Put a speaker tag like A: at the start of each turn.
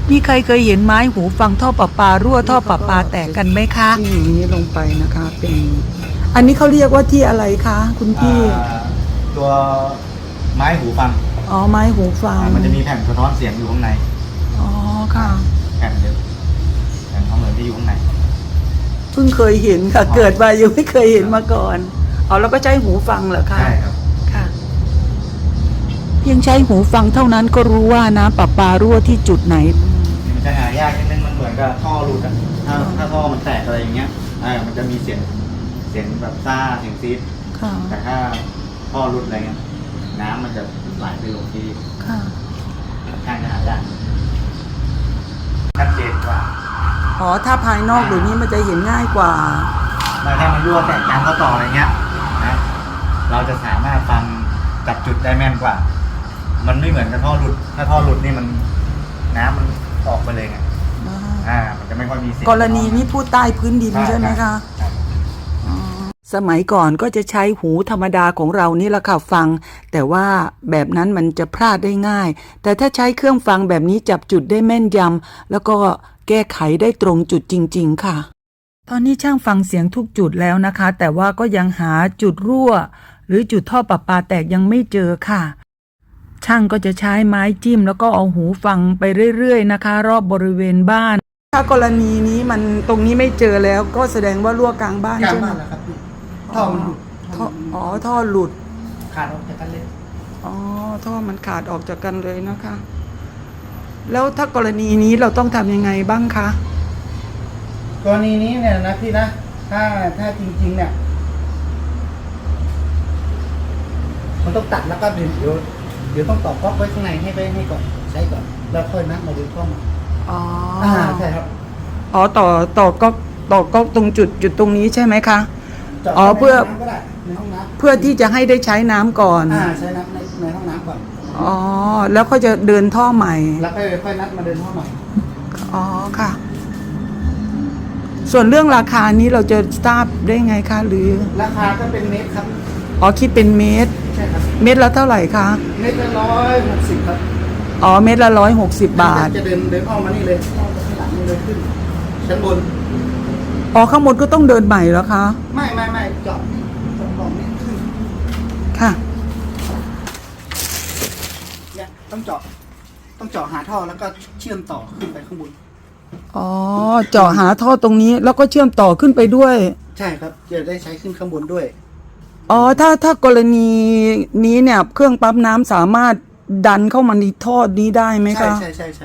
A: มีใครเคยเห็นไม้หูฟังท่อประปารั่วท่อประปาแตกกันไหมคะที่อย่างนี้ลงไปนะคะเป็นอันนี้เขาเรียกว่าที่อะไรคะคุณพี่
B: ตัวไม้หูฟัง
A: อ๋อไม้หูฟัง
B: มันจะมีแผ่นสะท้อนเสียงอยู่ข้างใน
A: อ๋อค่ะ
B: แผ่นเดียวแผ่นทองเหลืองที่อยู่ข้างใน
A: เพิ่งเคยเห็นค่ะเกิดมายังไม่เคยเห็นมาก่อนเอาแล้วก็ใช้หูฟังเหรอคะ
B: ใช่ครับ
A: ค่ะเพียงใช้หูฟังเท่านั้นก็รู้ว่าน้ำประปารั่วที่จุดไหน
B: มันจะหายากนิดนึงมันเหมือนกับท่อหลุดอ่ะถ้าท่อมันแตกอะไรอย่างเงี้ยมันจะมีเสียงแบบซ่าเสียงซีดแต่ถ้าท่อหลุดอะไรเงี้ยน้ำมันจะไหลไปลงที่ข้างจะหายากชัดเจนกว่า
A: อ๋อถ้าภายนอกเดี๋ยวนี้มันจะเห็นง่ายกว่า
B: ถ้ามันรั่วแตกน้ำเข้าต่ออะไรเงี้ยนะเราจะสามารถฟังจับจุดได้แม่นกว่ามันไม่เหมือนกับท่อหลุดถ้าท่อหลุดนี่มันน้ำมันออกไปเลยไงมันจะไม่ค่อยมีเสียง
A: กรณีนี้พูดใต้พื้นดินใช่ไหมคะสมัยก่อนก็จะใช้หูธรรมดาของเรานี่แหละค่ะฟังแต่ว่าแบบนั้นมันจะพลาดได้ง่ายแต่ถ้าใช้เครื่องฟังแบบนี้จับจุดได้แม่นยำแล้วก็แก้ไขได้ตรงจุดจริงๆค่ะตอนนี้ช่างฟังเสียงทุกจุดแล้วนะคะแต่ว่าก็ยังหาจุดรั่วหรือจุดท่อประปาแตกยังไม่เจอค่ะช่างก็จะใช้ไม้จิ้มแล้วก็เอาหูฟังไปเรื่อยๆนะคะรอบบริเวณบ้านถ้ากรณีนี้มันตรงนี้ไม่เจอแล้วก็แสดงว่ารั่วกลางบ้านใช่ไหม
B: ครับท่อมันหลุด
A: ท่อหลุด
B: ขาดออกจากกันเลย
A: ท่อมันขาดออกจากกันเลยนะคะแล้วถ้ากรณีนี้เราต้องทำยังไงบ้างคะ
B: กรณีนี้เนี่ยนะพี่นะถ้าจริงๆเนี่ยมันต้องตัดแล้วก็เดี๋ยวต้องต่อก๊อกไว้ข้างในให้ก่อนใช้ก่อนแล้วค่อยนัดมาดึงเข้ามาใช่ครับ
A: ต่อก๊อกตรงจุดตรงนี้ใช่ไหมคะเพื่อที่จะให้ได้ใช้น้ำก่อน
B: ใช้น้ำในห้องน้ำก่อน
A: แล้วก็จะเดินท่อใหม่
B: แล้วค่อยนัดมาเดินท่อใหม่
A: ค่ะส่วนเรื่องราคานี้เราจะทราบได้ไงคะหรือ
B: ราคาก็เป็นเมตรครับ
A: คิดเป็นเมตร
B: ใช่ครับ
A: เมตรละเท่าไหร่คะ
B: เมตรละ160ครับ
A: เมตรละ160 บาท
B: จะเดินอ้อมมานี่เลยอ้อมไปข้างหลังนี่เลยขึ้นชั้นบน
A: ข้างบนก็ต้องเดินใหม่แล้วคะ
B: ไม่เจาะกล่องนี้ขึ้น
A: ค่ะ
B: เนี่ยต้องเจาะหาท่อแล้วก็เชื่อมต่อขึ้นไปข้างบน
A: เจาะหาท่อตรงนี้แล้วก็เชื่อมต่อขึ้นไปด้วย
B: ใช่ครับจะได้ใช้ขึ้นข้างบนด้วย
A: ถ้ากรณีนี้เนี่ยเครื่องปั๊มน้ำสามารถดันเข้ามาในท่อนี้ได้ไหมคะ
B: ใช่